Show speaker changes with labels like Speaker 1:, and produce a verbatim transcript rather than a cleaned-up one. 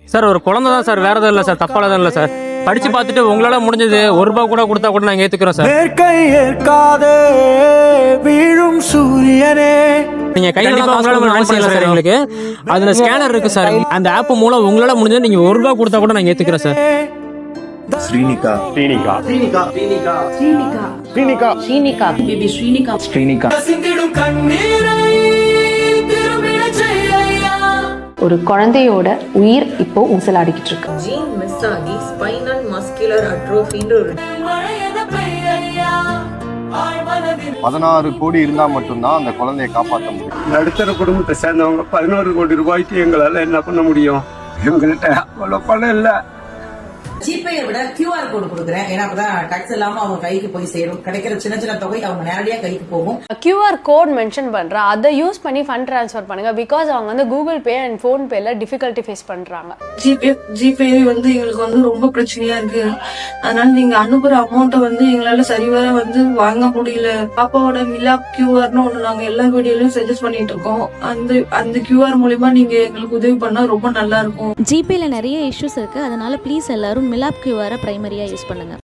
Speaker 1: Sir ஒரு குழந்தை தான் சார், வேற எதுவும் இல்லை சார், தப்பால தான் இல்லை சார். படிச்சு பார்த்துட்டு உங்களால முடிஞ்சது ஒரு ரூபா கூட கொடுத்தா கூட நாங்கள் ஏத்துக்கிறோம் சார். வீழும் சூரியனே நீங்க கையில சார் எங்களுக்கு அதுல ஸ்கேனர் இருக்கு சார். அந்த ஆப் மூலம் உங்களால முடிஞ்சது நீங்க ஒரு ரூபா கொடுத்தா கூட நாங்க ஏத்துக்கிறோம் சார்.
Speaker 2: ஸ்ரீனிகா ஸ்ரீனிகா ஸ்ரீனிகா ஸ்ரீனிகா ஸ்ரீனிகா ஸ்ரீனிகா பேபி ஸ்ரீனிகா ஸ்ரீனிகா
Speaker 3: ஒரு குழந்தையோட உயிர் இப்போ ஊசலாடிக்கிட்டு இருக்கு.
Speaker 4: ஜீன் மிஸ் ஆகி ஸ்பைனல் மஸ்குலர் அட்ரோஃபின்ற ஒரு
Speaker 2: பதினாறு கோடி இருந்தா மட்டும்தான் அந்த குழந்தையை காப்பாற்ற முடியும்.
Speaker 5: நடுத்தர குடும்பத்தை சேர்ந்தவங்க பதினோரு கோடி ரூபாய்க்கு எங்களால என்ன பண்ண முடியும்? எங்கள்கிட்ட அவ்வளோ பணம் இல்லை.
Speaker 6: ஜிபேயை விட கியூஆர் கோடு கொடுக்குறேன். ஏன்னா அப்பதான் டாக்ஸ் இல்லாம அவங்க கைக்கு போய் சேரும். கிடைக்கிற சின்ன சின்ன தொகை அவங்க நேரடியா கைக்கு போகும்.
Speaker 7: கியூஆர் கோட் மென்ஷன் பண்றேன், அதை யூஸ் பண்ணி ஃபண்ட் ட்ரான்ஸ்ஃபர் பண்ணுங்க. பிகாஸ் அவங்க வந்து கூகுள் பே அண்ட் ஃபோன் பேல டிஃபிகல்ட்டி ஃபேஸ் பண்றாங்க.
Speaker 8: ஜிபே ஜிபே வந்து எங்களுக்கு வந்து ரொம்ப பிரச்சனையா இருக்கு. அதனால நீங்க அனுப்புற அமௌண்ட்டை வந்து எங்களால சரிவர வந்து வாங்க முடியல. பாப்பாவோட மிலாப் கியூஆர்னு ஒண்ணு நாங்க எல்லா வீடியோலயும் சஜஸ்ட் பண்ணிட்டு இருக்கோம். அந்த அந்த கியூஆர் மூலியமா நீங்க எங்களுக்கு உதவி பண்ணா ரொம்ப நல்லா இருக்கும்.
Speaker 9: ஜிபேல நிறைய இஷ்யூஸ் இருக்கு, அதனால ப்ளீஸ் எல்லாரும் மிலாப் கியூஆரை பிரைமரியா யூஸ் பண்ணுங்க.